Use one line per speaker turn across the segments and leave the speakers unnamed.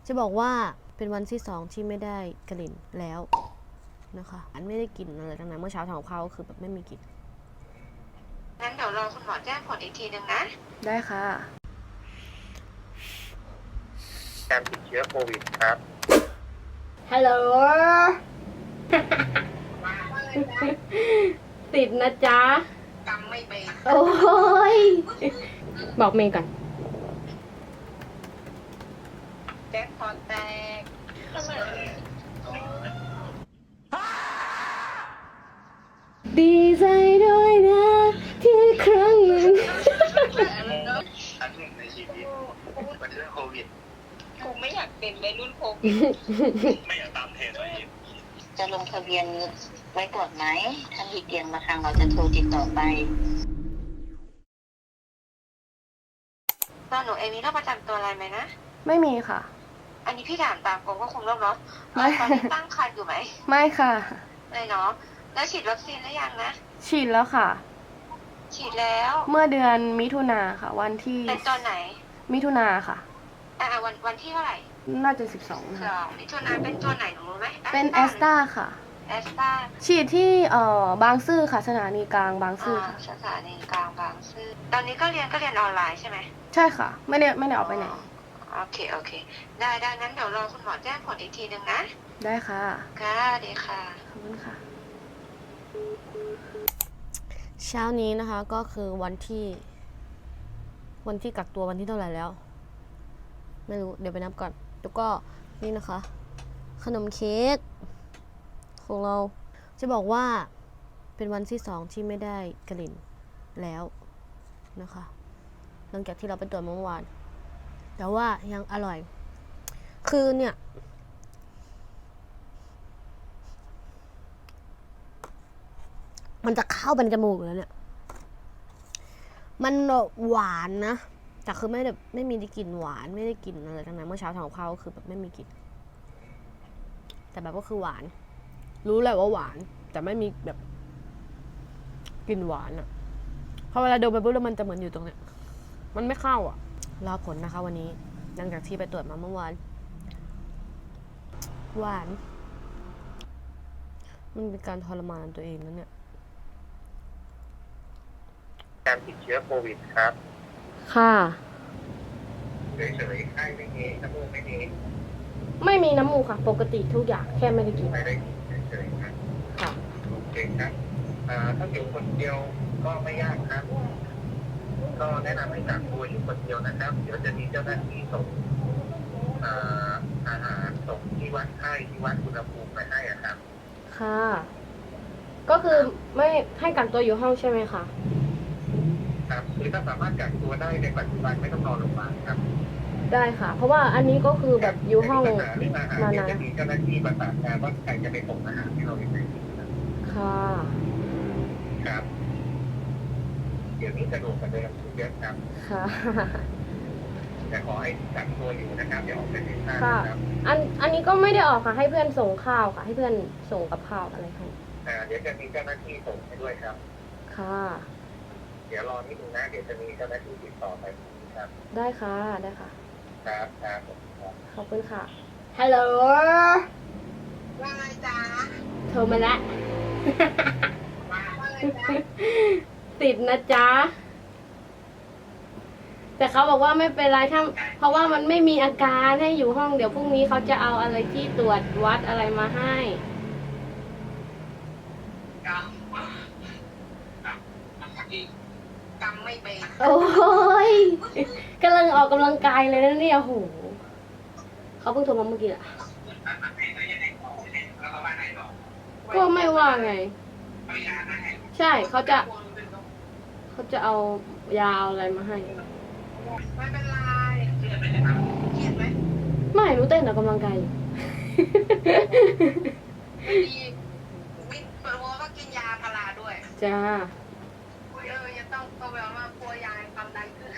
จะบอกว่าเป็นวันที่2ที่ไม่ได้กลิ่นแล้วนะคะอันไม่ได้กลิ่นอะไรทั้งนั้นเมื่อเช้าทำกับข้าวก็คือแบบไม่มีกลิ่น
งั้นเดี๋ยวรอคุณหมอแจ้งผลอีกทีนึงนะ
ได้ค่ะ
การติดเชื้อโควิดครับ
ฮัลโหล ติดนะจ๊ะ
จำไม่เป็น
โอ้ยบอกเมย์ก่อน
แจ็คพอตแตก
ดีใจด้วยนะที่ครั้งหนึ่ง
ครั้งหนึ่งในชีวิตเป็นเรื่องโควิด
กูไม่อยากเป็นวัยรุ่นโควิด
ไม่อยากตามเทรนด์เลย
จะลงทะเบียนไว้ก่อนไหมถ้ามีเตียงมาทางเราจะโทรติดต่อไป
ตอนหนูเองมีโรคประจำตัวอะไรไหมนะ
ไม่มีค่ะ
อันนี้พี่ถามตามกรมควบคุมโรคเนาะตอนนี้ตั้งครรภ์อยู่ไหม
ไม่ค่ะ
ไม่เนาะแล้วฉีดวัคซีนหรือยังนะ
ฉีดแล้วค่ะ
ฉีดแล้ว
เมื่อเดือนมิถุนาค่ะวันที่
เป็นตอนไหน
มิถุนาค่ะ
วันที่เท่าไหร่
น่าจะ12ค่ะ
มิถุนาเป็นตัวไหนหนูรู้ไหม
เป็นแอสตาค่ะ
แอสตา
ฉีดที่บางซื่อค่ะสถานีกลางบางซื่อค่ะ
สถานีกลางบางซื่อตอนนี้ก็เรียนออนไลน์ใช่ไหม
ใช่ค่ะไม่ได้ออกไปไหน
โอเคได้งั้นเดี๋ยวรอคุณหมอแจ้งผลอีกทีนึงนะ
ได้ค่ะ
ค่ะดีค่ะ
ขอบคุณค่ะเช้านี้นะคะก็คือวันที่กักตัววันที่เท่าไหร่แล้วไม่รู้เดี๋ยวไปนับก่อนแล้วก็นี่นะคะขนมเค้กของเราจะบอกว่าเป็นวันที่2ที่ไม่ได้กลิ่นแล้วนะคะหลังจากที่เราไปตรวจเมื่อวานแต่ว่ายังอร่อยคือเนี่ยมันจะเข้าไปในจมูกแล้วเนี่ยมันหวานนะแต่คือไม่มีกลิ่นหวานไม่ได้กลิ่นอะไรทั้งนั้นเมื่อเช้าทำกับข้าวก็คือแบบไม่มีกลิ่นแต่แบบก็คือหวานรู้แหละว่าหวานแต่ไม่มีแบบกลิ่นหวานอะพอเวลาดมไปปุ๊บแล้วมันจะเหมือนอยู่ตรงเนี้ยมันไม่เข้าอะรอผลนะคะวันนี้หลังจากที่ไปตรวจมาเมื่อวานหวานมันเป็นการทรมานตัวเองนะเนี่ย
การติดเชื้อโควิดครับ
ค่ะ
เฉยๆไข้ไม่มีน้ำมูกไม่มี
ไม่มีน้ำมูกค่ะปกติทุกอย่างแค่ไม่ได้กิน
ไม่ได้กินเฉยๆนะ
ค่ะ
โอเคครับถ้าอยู่คนเดียวก็ไม่ยากครับก็แนะนำให้กักตัวอยู่คนเดียวนะครับเดี๋ยวจะมีเจ้าหน้าที่ส่งอาหารส่งที่วัดไข้ที่วัดอุณหภูมิไปให้ครับ
ค่ะก็คือไม่ให้กักตัวอยู่ห้องใช่ไหมคะ
ครับคือถ้าสามารถกักตัวได้ในปัจจุบันไม่ต้องนอนโรงพยาบาลครับ
ได้ค่ะเพราะว่าอันนี้ก็คือแบบอยู่ห้อง
เรื่องอาหารเนี่ยจะมีเจ้าหน้าที่ประสานงานว่าใครจะไปส่งอาหารที่เราไปซื้อ
ค่ะ
ครับเดี๋ยวนี้สะดวกกว่าเดิมเยอะครับ
ค่ะ
แต่ขอให้กักตัวอยู่นะครับอย่าออกไปไหนมากครับ
อันนี้ก็ไม่ได้ออกค่ะให้เพื่อนส่งข้าวค่ะให้เพื่อนส่งกับข้าวอะไรให้
เดี๋ยวจะมีเจ้าหน้าที่ส่งให้ด้วยครับ
ค่ะ
เดี๋ยวรอนิดนึงนะเดี๋ยวจะมีเจ้าหน้าที่ติดต่อไปครับ
ได้ค่ะ
ครับ
ขอบคุณค่ะฮัลโหล
ว่าไงจ๊ะ
โทรมาแล้ว
ว่าไงจ๊ะ
ติดนะจ๊ะแต่เขาบอกว่าไม่เป็นไรถ้าเพราะว่ามันไม่มีอาการให้อยู่ห้องเดี๋ยวพรุ่งนี้เขาจะเอาอะไรที่ตรวจวัดอะไรมาให้
จำไม่เป็น
โอ้ยกำลังออกกำลังกายเลยนะเนี่ยโหเขาเพิ่งโทรมาเมื่อกี้แหละก็ไม่ว่าไงใช่เขาจะเอายาอะไรมาให้
ไม่เป็นไรเครียดไหม
ไม่รู้เต้นออกกำลังกายอยู่
ดีวิทย์ก็กินยาพาราด้วย
จ้า
ยังต้องแบบว่ากลัวยายความดันขึ้น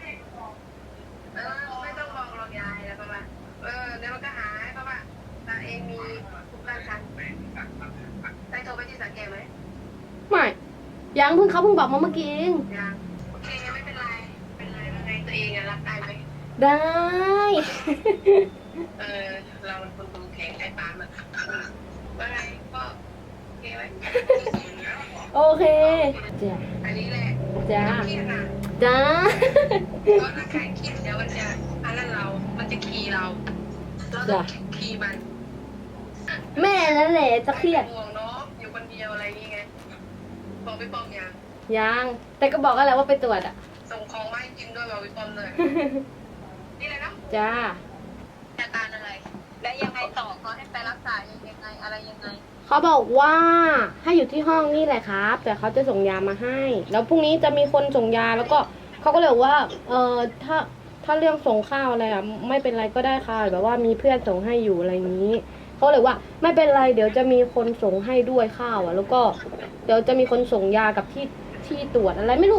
ไม่ต้องบอกหรอกยายแล้วประมาณเดี๋ยวมันก็หายเพราะว่าตาเองมีภูมิต้านทานได้โทรไปที่สังเกตไหม
ไม่ยังเขาเพิ่งบอกมาเมื่อกี้เอง
ยังโอเคไม่เป็นไรเป็นไงตัวเองรักได้ไหม
ได้
เราเป็นคนดูแข็งไอ้ปาล์มว่าไงก็โอเคไหม
โอเคจ้ะ
อันนี้แหละ
จ้า
เครียดนะ
จ้า
ก็ถ้าใครเครียดเดี๋ยวมันจะอันนั้นเรา มันจะคีย์เราเราต้องคีย์มัน
แม่นั่นแหละจะเครียด
ห่วงเนาะอยู่คนเดียวอะไรอย่างเงี้ยบอกพี่ปอมยัง
ยังแต่ก็บอกกันแล้วว่าไปตรวจอ่ะ
ส่งของมาให้กินด้วยบอกพี่ปอมเลยนี่เลยเนาะ
จ้า
อาการอะไร แล้วยังไงต่อเขาให้ไปรักษายังไงอะไรยังไง
เขาบอกว่าให้อยู่ที่ห้องนี่แหละครับ แต่เขาจะส่งยามาให้ แล้วพรุ่งนี้จะมีคนส่งยาแล้วก็เขาก็เลยบอกว่าถ้าเรื่องส่งข้าวอะไรอ่ะไม่เป็นไรก็ได้ค่ะแบบว่ามีเพื่อนส่งให้อยู่อะไรอย่างนี้เขาเลยว่าไม่เป็นไรเดี๋ยวจะมีคนส่งให้ด้วยข้าวอ่ะ แล้วก็เดี๋ยวจะมีคนส่งยากับที่ตรวจอะไรไม่รู้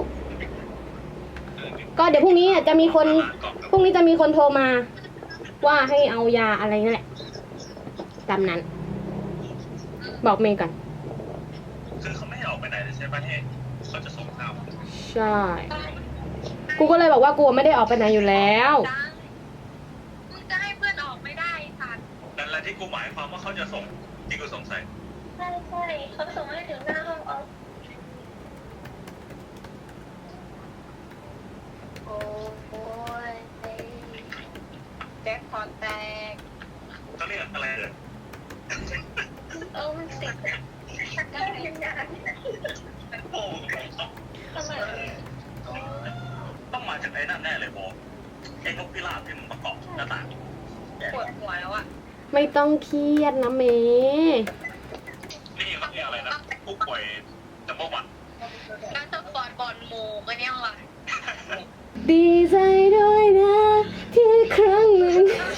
ก็เดี๋ยวพรุ่งนี้จะมีคนโทรมาว่าให้เอายาอะไรนั่นแหละตามนั้นบอกเมย์ก่อน
คือเขาไม่ให้ออกไปไหนเลยใช่ไหมที่เขาจะส่งข้าว
ใช่ กูก็เลยบอกว่ากูไม่ได้ออกไปไหนอยู่แล้ว
มึงจะให้เพื่อนออกไม่ได้สัตว์
นั่นแหละที่กูหมายความว่าเขาจะส่งที่กูสงสัย
ใช่ใช่เขาส่งให้ถึงหน้าห้องออฟ
โอ้ยแจ็คพอตแตก
เขาเรียกอะไรเลย
มันติดได้ยังไง
โอ้โห
ทำไม
ต้องมาจากไอ้นั่นแน่เลยโบไอ้นกพิราบที่มันประกอบหน้าต่าง
ปวดหัวแล้วอะ
ไม่ต้องเครียดนะเมย์
นี่มันคืออะไรนะผู้ป่วยจำพวกวัน
แล้วต้องปอดบอลหมูก็เนี่ยวะ
ดีใจด้วยนะที่ครั้งหนึ่ง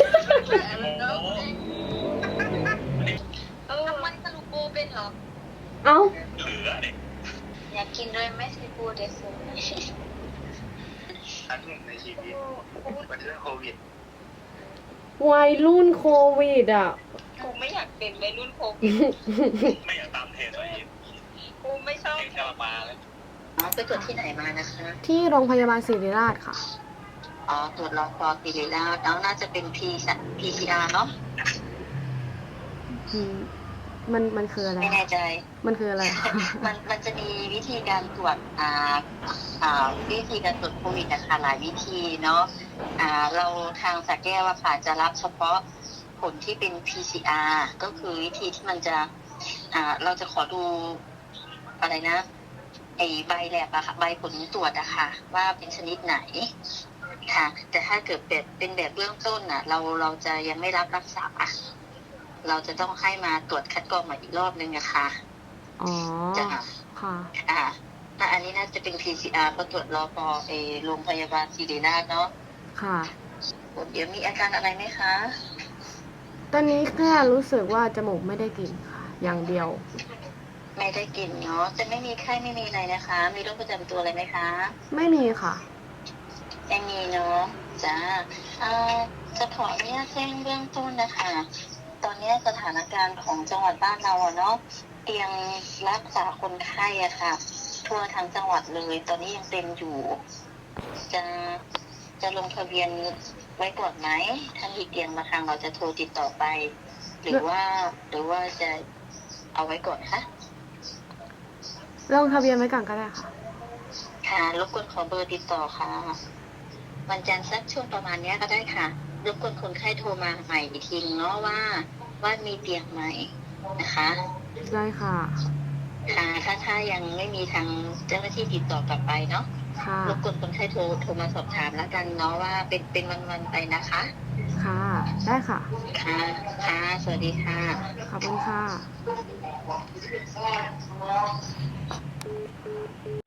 ทำไมสรุปโบเป็นเหรอ
เอ้า
เหลือเด็ก
อยากกินด้วยไหมซีฟู้ดเดซู
ครั้งหนึ่งในชีวิตมันเรื่องโควิด
วัยรุ่นโควิดอ่ะ
กูไม่อยากเป็นวัยรุ่นโควิด
ไม่อยากตามเทรนด์เลย
กูไม่ชอบ
เทรนด์แค่มาเลย
ไปตรวจที่ไหนมานะคะ
ที่โรงพยาบาลศิริราชค่ะ
ตรวจรอคอศิริราชแล้วน่าจะเป็น PCR เนาะ
มันคืออะไร
ไม่แน่ใจ
มันคืออะไร
มันจะมีวิธีการตรวจวิธีการตรวจโควิดนะคะหลายวิธีเนาะเราทางสระแก้วอะค่ะจะรับเฉพาะผลที่เป็น PCR ก็คือวิธีที่มันจะเราจะขอดูอะไรนะไอใบแลบอะค่ะใบผลตรวจอะค่ะว่าเป็นชนิดไหนค่ะ แต่ถ้าเกิดเป็นแบบเบื้องต้นอะเราจะยังไม่รับรักษาเราจะต้องให้มาตรวจคัดกรองใหม่อีกรอบนึงอะค่ะ
อ๋อ
จ้ะ
ค่ะ
ถ้าอันนี้น่าจะเป็น PCR ก็ตรวจรอพอโรงพยาบาลศิริราชเนาะ
ค่ะ
เดี๋ยวมีอาการอะไรไหมคะ
ตอนนี้แค่รู้สึกว่าจมูกไม่ได้กลิ่นค่ะ อย่างเดียว
ไม่ได้กินเนาะจะไม่มีไข้ไม่มีอะไรนะคะ มีโรคประจำตัวอะไรไหมคะ
ไม่มีค่ะ
ไม่มีเนาะจ้าจะขออนุญาตแจ้งเบื้องต้นนะคะ ตอนนี้สถานการณ์ของจังหวัดบ้านเราอะเนาะเตียงรักษาคนไข้อะค่ะ ทั่วทั้งจังหวัดเลย ตอนนี้ยังเต็มอยู่ จะลงทะเบียนไว้ก่อนไหมถ้ามีเตียงมาทางเราจะโทรติดต่อไป หรือว่าจะเอาไว้ก่อนคะ
ลงทะเบียนไว้ก่อนก็ได้ค่ะ
ค่ะรบกวนขอเบอร์ติดต่อค่ะ วันจันทร์สักช่วงประมาณนี้ก็ได้ค่ะรบกวนคนไข้โทรมาใหม่อีกทีนึงเนาะว่ามีเตียงไหมนะคะ
ได้ค่ะ
ค่ะถ้ายังไม่มีทางเจ้าหน้าที่ติดต่อกลับไปเนาะ
ค่ะ
รบกวนคนไข้โทรมาสอบถามแล้วกันเนาะว่าเป็นวันๆไปนะคะ
ค่ะ ได้ค่ะ
ค่ะค่ะสวัสดีค่ะ
ขอบคุณค่ะ